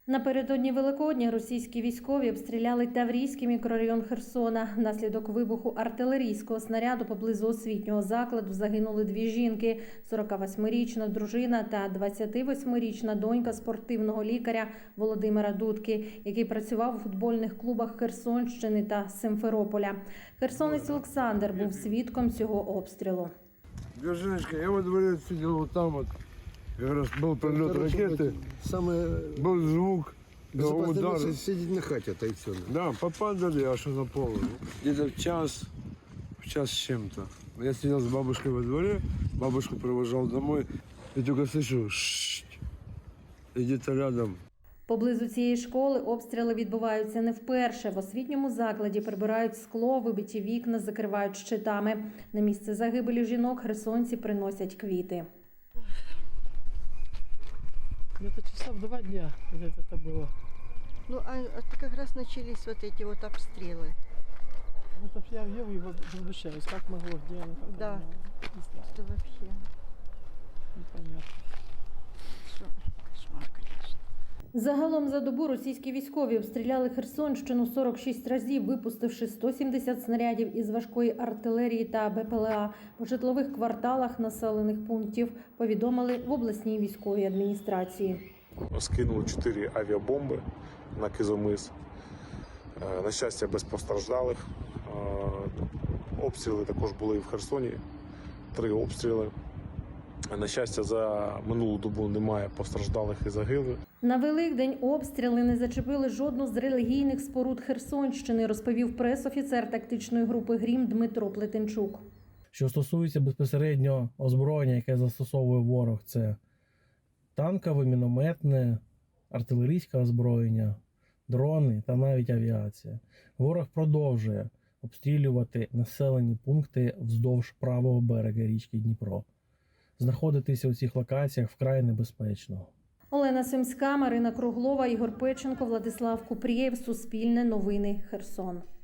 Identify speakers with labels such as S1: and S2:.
S1: Напередодні Великодня російські військові обстріляли Таврійський мікрорайон Херсона. Внаслідок вибуху артилерійського снаряду поблизу освітнього закладу загинули дві жінки – 48-річна дружина та 28-річна донька спортивного лікаря Володимира Дудки, який працював у футбольних клубах Херсонщини та Симферополя. Херсонець Олександр був свідком цього обстрілу.
S2: Девушка, я во дворе сидел вот там вот. Как раз был прилет ракеты, был звук, удар.
S3: Сидеть на хате, это и все.
S2: Да, попадали аж на пол. Где-то в час с чем-то. Я сидел с бабушкой во дворе, бабушку провожал домой. И только слышу, и где-то рядом.
S1: Поблизу цієї школи обстріли відбуваються не вперше. В освітньому закладі прибирають скло, вибиті вікна закривають щитами. На місце загибелі жінок херсонці приносять квіти.
S4: Где-то часа в 2 дня где-то это было.
S5: Ну, а как раз начались вот эти вот обстрелы.
S4: Это я его возмущаюсь, как могло, где оно, как
S5: Да,
S4: оно, не знаю,
S5: это вообще
S4: непонятно.
S5: кошмар, конечно.
S1: Загалом за добу російські військові обстріляли Херсонщину 46 разів, випустивши 170 снарядів із важкої артилерії та БПЛА. По житлових кварталах населених пунктів повідомили в обласній військовій адміністрації.
S6: Скинули 4 авіабомби на Кизомис. На щастя, без постраждалих. Обстріли також були і в Херсоні. 3 обстріли. На щастя, за минулу добу немає постраждалих і загиблих.
S1: На Великдень обстріли не зачепили жодну з релігійних споруд Херсонщини, розповів прес-офіцер тактичної групи «Грім» Дмитро Плетенчук.
S7: Що стосується безпосередньо озброєння, яке застосовує ворог, це танкове, мінометне, артилерійське озброєння, дрони та навіть авіація. Ворог продовжує обстрілювати населені пункти вздовж правого берега річки Дніпро. Знаходитися у цих локаціях вкрай небезпечно.
S1: Олена Симська, Марина Круглова, Ігор Печенко, Владислав Купрієв. Суспільне новини. Херсон.